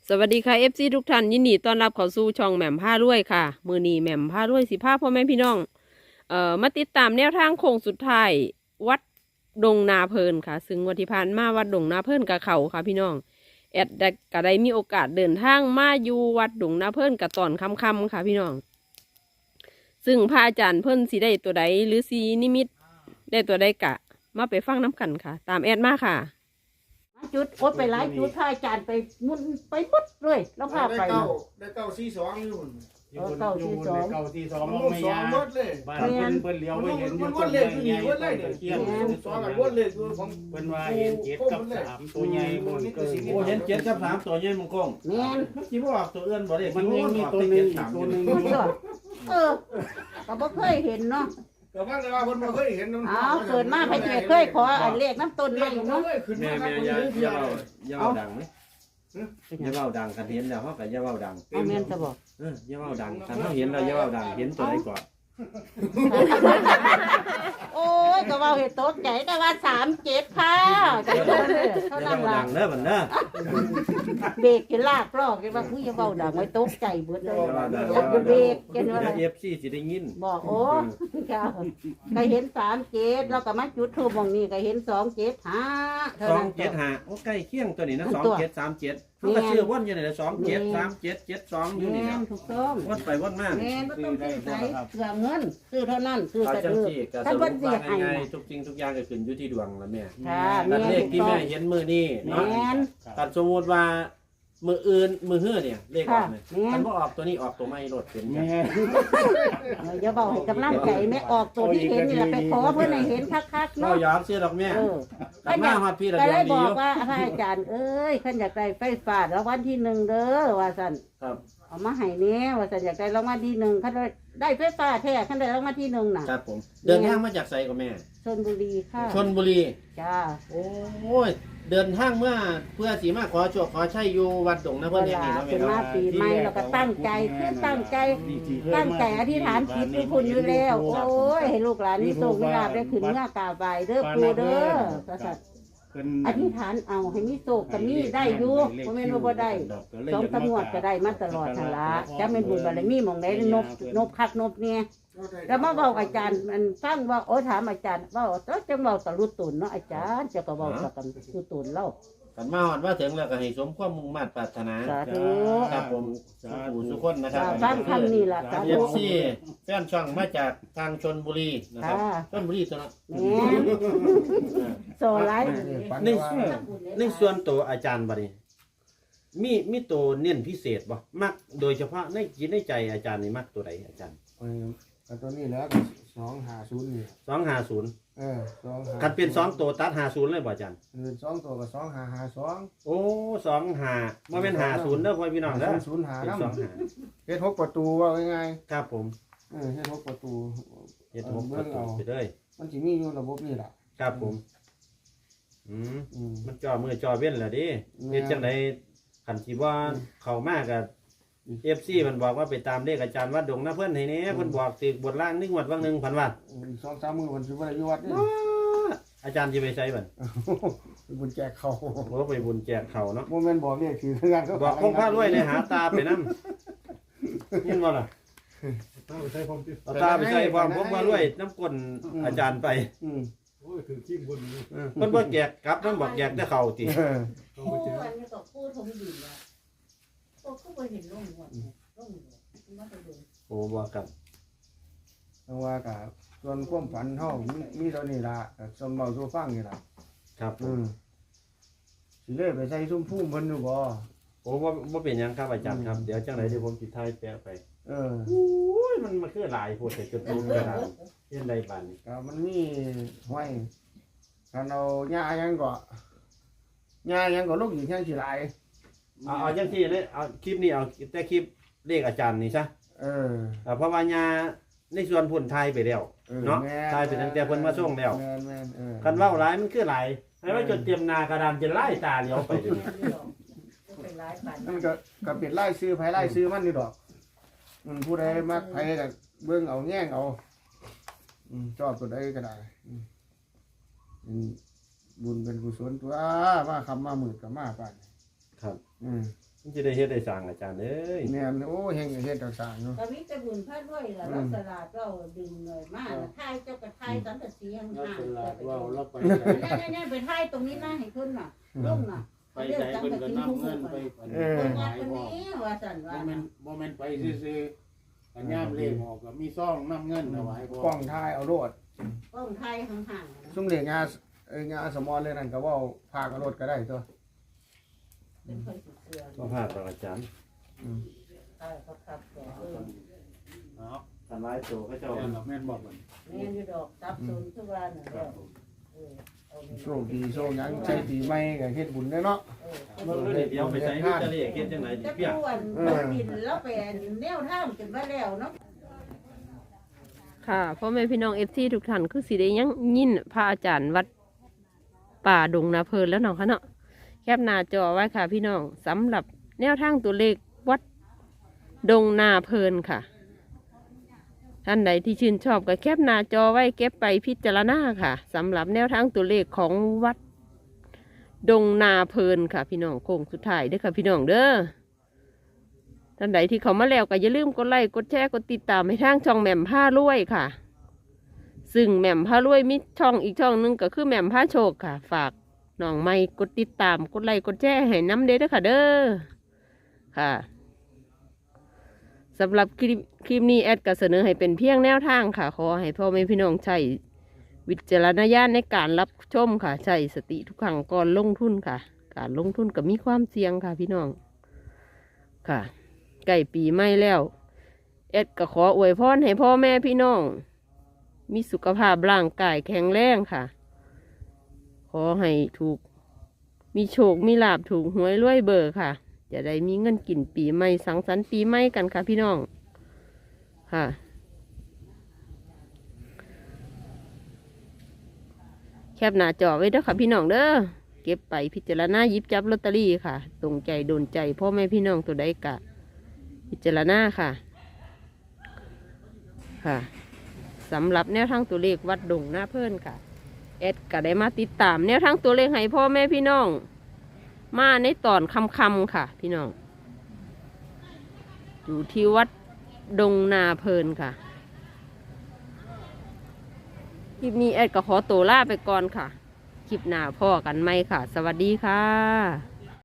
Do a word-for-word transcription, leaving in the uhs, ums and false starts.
สวัสดีค่ะ เอฟ ซี ทุกท่านยินดีต้อนรับเข้าสู่ช่องแหม่มผ้ารวยค่ะมือนีแหม่มผ้ารวยสิผ้าพ่อแม่พี่น้องเอ่อมาติดตามแนวทางโค้งสุดท้ายวัดดงนาเพลินค่ะซึ่งวันที่ผ่านมาวัดดงนาเพลินกับเขาค่ะพี่น้องแอดได้ก็ได้มีโอกาสเดินทางมาอยู่วัดดงนาเพลินกับตอนค่ำๆค่ะพี่น้องซึ่งพระอาจารย์เพิ่นสีได้ตัวใดหรือสีนิมิตได้ตัวใดกะมาไปฟังน้ำกันค่ะ ตามแอดมาค่ะจุดโอ๊ตไปหลายจุดพายจานไปมุนไปปุ๊บเลยแล้วพาไปได้เก้าได้เก้าสี่สองอยู่อยู่บนอยู่บนเก้าที่สองมันมองวนไม่สองยาหมดเลยบ้านเพิ่นเพิ่นเลี้ยวมันไปเห็นอยู่มันวต้นนเลไม้ยคือใหนี่ญ่วนเลยต้นเนี่ยตะเคียนสองกับวนเลยคือของเพิ่นว่าเห็นเจ็ดกับสามตัวใหญ่บนเกินโอ้เห็นเจ็ดกับสามตัวใหญ่มังกงแม่นมันคิดว่าออกตัวอื่นบ่ได้มันยังมีตัวหนึงอีกตัวหนึงพูดเถอะเออก็บ่เคยเห็นเนาะแต่ว่าแต่ว่าคนมาเคยเห็นอ้าวเกิดมาพระเจ้าเคยขออันเลขน้ำต้นเลไม้ขเนาะขึ้นแม่มาแม่อย่าอย่าเว้าอย่าเว้าดังไหมอย่าเว้าดังคันเห็นแล้วเฮาก็อย่าเว้าดังเอาแม่นจะบอกเอออย่าเว้าดังคันเฮาเห็นแล้วอย่าเว้าดังเห็นตัวใดก่อนโอ้ยก็เว่าเห็นตกใจแต่ว่าสามเจ็ดค่ะจังเลยเท่าอย่านั้นเว้าล่ะดังเด้อบัดเด้อเบรกกินลากลอกกันว่าอุ้ยอย่าเบาดังไว้ตกใจเบิดเลยอย่าเว้าดังอยากจะเบรกกันว่าเอฟซีสิได้ยินบอกโอ้ค่ะก็เห็นสามเจ็ดแล้วก็มาจุดทูบมองนี่ก็เห็นสองเจ็ดห้าเท่าสองนั้นเจ็ดห้าโอ้ใกล้เคียงตัวนี้นะอันสองตัวเจ็ดสามเจ็ดมันก็ชื่อวนอยู่นี่แหละสองเจ็ดสามเจ็ดเจ็ดสองอยู่นี่แม่แหละนถูกต้องวนไปวนมาแม่นบ่ต้องซื้อใส่เสือเงินซื้อเท่านั้นซื้อเอาแต่จังเออซี่ก็สท่านรุเพิ่ปนสิว่าให้ง่ายๆทุกสิ่งทุกอย่างก็ขึ้นอยู่ที่ดวงละแม่ค่ะแต่แม่เลขที่แม่เห็นมือนี่แม่เนาะนตัดสมมติว่ามืออื่นมือเฮือเนี่ยเลขออกเนี่ยค่ะแม่นมันบ่ออกตัวนี้ออกตัวไม่รถเป็นจังแม่เอออย่าเบาให้กำลังใจแม่ออกตัวที่เห็นนี่แหละไปขอเพิ่นให้เห็นคักๆเราเนาะยอมเสียดอกแม่เออแต่มาฮอดพี่ระก็เบียเลงยดีบออก ยู่ว่าพระอาจารย์เอ้ยขันอยากได้ไฟฟ้ารางวัลที่หนึ่งเด้อว่าซั่นครับเอามาให้แน่ว่าซั่นอยากได้รางวัลที่หนึ่งขันได้ได้ไฟฟ้าแท้ขันได้รางวัลที่หนึ่งน่ะครับผมเดินทางมาจากไสกับแม่ชลบุรีค่ะชนบุรีจ้าโอ้ยเดินทางเมื่อเพื่อสีมาขอโชคขอชัยอยู่วัดดงนะเวเพิ่นแห่งลานี้เนาะเป็แม่นมาเนาะปีใหม่เราก็ตั้งใจคือตั้งใจ ตั้งใจอธิษฐานจิตทุกคนอยู่แล้ว โอ้ยให้ลูกหลานมีโชคมีลาภได้ขึ้นเมื่อกราบไหว้เด้อปู่เด้อว่าซั่นเพิ่นอธิษฐานเอาให้มีโชคก็มีได้อยู่บ่แม่นว่าบ่ได้ สองตำรวจก็ได้มาตลอดทันละจะเป็นบุญบารมีหมองไหนนบนบคักนบเนี่ยแล้วมาบอกอาจารย์มันฟังว่าโอ้ถามอาจารย์ว่าเจ้าจังเบาตะลุตุนเนาะอาจารย์จะก็เบาตะกันลุตุนเล่ากันมาฮอดว่าถึงแล้วก็ให้สมความมุ่งมั่นปรารถนาสาธุครับผมสุขสุขคนนะครับฟังคำนี้ล่ะสาเอธุฟซีแฟนช่องมาจากทางชนบุรีนะครับค่ะชนบุรีตัวเนาะแม่โซไลท์ในในส่วนตัวอาจารย์บัดนี้มีมีตัวเน้นพิเศษบ่มักโดยเฉพาะในจิตในใจอาจารย์นี่มักตัวใดอาจารย์เออตัวนี้แล้วสองหาศูนย์นี่สองห้าศูนย์เออสองหาคันเป็นสองตัวตัดห้าศูนย์เลยบ่อาจารย์เออสองตัวกับสองหาหาสองโอ้สองห้าบ่แม่นห้าศูนย์เด้อพ่อพี่น้องเด้อศูนย์หาเป็นน้สองห้าำเฮ็ดหกประตูว่าง่ายครับผมๆเออเฮ็ดหกประตูเฮ็ดหกประตูไปเลยมันสิมีอยู่ระบบนี่ล่ะครับผมอืมอืมมันจอมือจอเว้นแหละดิเฮ็ดจังไดคันสิว่าเข้ามาก็ เอฟ ซี มันบอกว่าไปตามเลขอาจารย์วัดดงนะเพิ่นให้แหน่เพิ่นบอกตึกบทล่างนึงวัดวังหนึงพันวัดอีกสองสามมือมันสิบ่ได้อยู่วัดนี่อาจารย์สิไปใช้บัดเป็นบุญแจกเขาบ่ไปบุญแจกเขาเนาะบ่แม่นบอกเลขคือคืองานเขาบอกคงพระรวยในหาตาไปนำยินบ่ล่ะต้องใช้ความคิดเอาตาไปใส่ความคงพระรวยน้ำก้นอาจารย์ไปอืมโอ้ยคือขี้บนนี่เพิ่นบ่แจกกลับมันบอกแจกแต่เขาติเออต้องไปเจออันนี้ก็พูดทงดีแล้วโอ้ก็บ่เห็นลงหัวลงหัวมาไปดูโอ้บ่ครับจังว่าก็ส่วนความฝันเฮามีมีเท่านี้ล่ะก็สมเว้าสู่ฟังนี่ล่ะครับผอืมมสิเลยไปใส่ซุ้มพุ่มเพิ่นอยู่บ่โอ้บ่บ่เป็นหยังครับอาจารย์ครับเดี๋ยวจังไดเดี๋ยวผมสิถ่ายแปะไปเออโอ้ยมันมันคือหลายโพดแต่จุดตูมกระดาษเฮ็ดได้บาดนี้ก็มันมีห้อยคันเอาหญ้าหยังก็หญ้าหยังก็ลงอีกแค่สิหลายเอาเอาจังซี่เลยเอาคลิปนี้เอาแต่คลิปเลขอาจารย์นี่ซะเอออ่าเพราะว่าญาในส่วนพุ่นทายไปแล้วออเนาะแม่ทายไปตั้งแต่เพิ่นมาส่งแล้วม่นแม่นเออคันเว้าหลายมันคือหลายให้ว่าจนเตรียมหน้ากระดานจะไล่ตาเลี้ยวไปเดี๋ยวนี้เป็นร้ายปันมันก็ก็เป็นไล่ซื้อไผไล่ซื้อมันนี่ดอกมันผู้ใดมักไผก็เบิ่งเอาแง่งเอาอืมชอบตัวใดก็ได้อืมเป็นบุญเป็นกุศลตัวมาคำมามืดก็มาปานครับอืมมันจะได้เฮ็ดได้สร้างอาจารย์เอ้ยแม่นโอ้เฮงเฮ็ดต่างๆเนาะก็มีแต่บุญพระด้วยล่ะเราสลาดเราดึงเลยมาแล้วทายเจ้าก็ทายสันตะเสียงเราห่างเป็นลาดว่าเราไปเนี่ยเนี่ยไปทายตรงนี้นะให้เพิ่นน่ะลงน่ะไปใจเพิ่นก็นำเงินไปเออเพิ่นวัดคนนี้ว่าซั่นบ่ว่าแม่นบ่แม่นไปซื่อๆอันยามเลขออกก็มีซองนำเงินเอาไว้บ่กล้องถ่ายเอาโลดต้องทายห่างๆนะซุ่มเรียกงานเอ้ยงานสมอเลยนั่นก็เว้าพากับรถก็ได้ตัวเป็นคนสุดเสือบ่พลาดหรอกอาจารย์อืมใช่ครับครับเออเอาทำลายโตเขาเจ้าแม่นบอกมันแม่นอยู่ดอกซับซุนทุกวันน่ะแล้วเออเอาไปโชคดีโชคหยังใช้ปีใหม่ก็เฮ็ดบุญได้เนาะเออเบิ่งเลยเดี๋ยวไปใส่มิตรเลขเฮ็ดจังได๋จะเปียกป่วนดินแล้วไปแนวทางจนว่าแล้วเนาะค่ะพ่อแม่พี่น้องเอฟซีทุกท่านคือสิได้ยังยินพระอาจารย์วัดป่าดงนาเพลินแล้วเนาะค่ะเนาะแคปหน้าจอไว้ค่ะพี่น้องสำหรับแนวทางตัวเลขวัดดงนาเพลินค่ะ ท่านใดที่ชื่นชอบก็แคปหน้าจอไว้เก็บไปพิจารณาค่ะสำหรับแนวทางตัวเลขของวัดดงนาเพลินค่ะ พี่น้องโค้งสุดท้ายเด้อค่ะพี่น้องเด้อท่านใดที่เขามาแล้วก็อย่าลืมกดไลค์กดแชร์กดติดตามให้ทางช่องแหม่มผ้ารวยค่ะ ซึ่งแหม่มผ้ารวยมีช่องอีกช่องหนึงก็คือแหม่มผ้าโชคค่ะ ฝากน้องไม่กดติดตามกดไลค์กดแชร์ให้น้ำเด้อค่ะเด้อค่ะสำหรับคลิปคลิปนี้แอดก็เสนอให้เป็นเพียงแนวทางค่ะขอให้พ่อแม่พี่น้องใช้วิจารณญาณในการรับชมค่ะใช้สติทุกครั้งก่อนลงทุนค่ะ การลงทุนก็มีความเสี่ยงค่ะพี่น้องค่ะใกล้ปีใหม่แล้วแอดก็ขออวยพรให้พ่อแม่พี่น้อง มีสุขภาพร่างกายแข็งแรงค่ะ ขอให้ถูกมีโชคมีลาภถูกหวยรวยเบอร์ค่ะ จะได้มีเงินกินปีใหม่สังสรรค์ปีใหม่กันค่ะพี่น้องค่ะ แคปหน้าจอไว้เด้อค่ะพี่น้องเด้อเก็บไปพิจารณาหยิบจับลอตเตอรี่ค่ะตรงใจโดนใจพ่อแม่พี่น้องตัวใดกะ พิจารณาค่ะค่ะสำหรับแนวทางตัวเลขวัดดงหน้าเพิ่นค่ะแอดก็ได้มาติดตามแนวทางตัวเลขให้พ่อแม่พี่น้อง มาในตอนคำคำๆค่ะ พี่น้องอยู่ที่วัดดงนาเพิ่นค่ะคลิปนี้แอดก็ขอตัวลาไปก่อนค่ะคลิปหน้าพ่อกันไหมค่ะ สวัสดีค่ะ